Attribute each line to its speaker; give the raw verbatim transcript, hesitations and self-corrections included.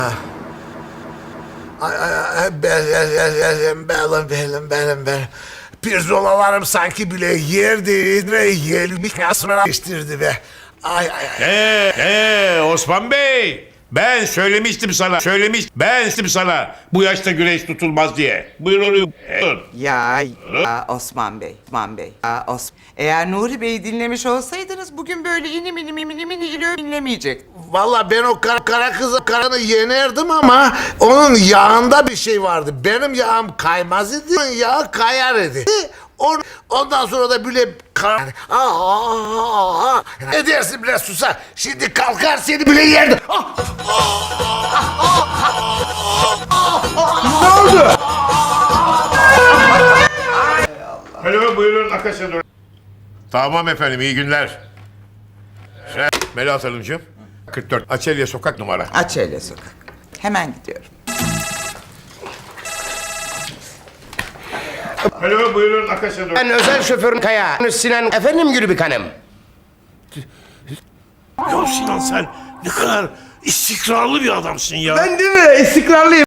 Speaker 1: Ay, ay, ay, belim, belim, belim, belim, belim. Pirzolalarım sanki bile yer değil ve yelmiş kasmına geçtirdi be. Ay ay ay.
Speaker 2: Ee, ee, Osman Bey. Ben söylemiştim sana. Söylemiş. Ben dedim sana. Bu yaşta güreş tutulmaz diye. Buyurun. Buyurun.
Speaker 3: Ya, ya Osman Bey, Osman Bey. Ya Os Eğer Nuri Bey'i dinlemiş olsaydınız bugün böyle inim inim inim inim inim dinlemeyecek.
Speaker 1: Vallahi ben o kara, kara kızı karanı yenerdim ama onun yağında bir şey vardı. Benim yağım kaymaz idi, onun yağı kayar idi. On, ondan sonra da böyle kar... Aa, aa, aa. Ne dersin biraz susa? Şimdi kalkar seni bile yerdi. Ah! Ne oldu?
Speaker 2: Alo, buyurun Akasya doğru. Tamam efendim, iyi günler. Şey, Melahat Hanımcığım. kırk dört Açelya Sokak numara.
Speaker 3: Açelya Sokak. Hemen gidiyorum.
Speaker 2: Alo, buyurun Akasya doğru.
Speaker 4: Ben özel şoförün Kaya. Sinan efendim Gülübük Hanım.
Speaker 5: Ya Sinan sen ne kadar istikrarlı bir adamsın ya.
Speaker 4: Ben değil mi? İstikrarlıyım.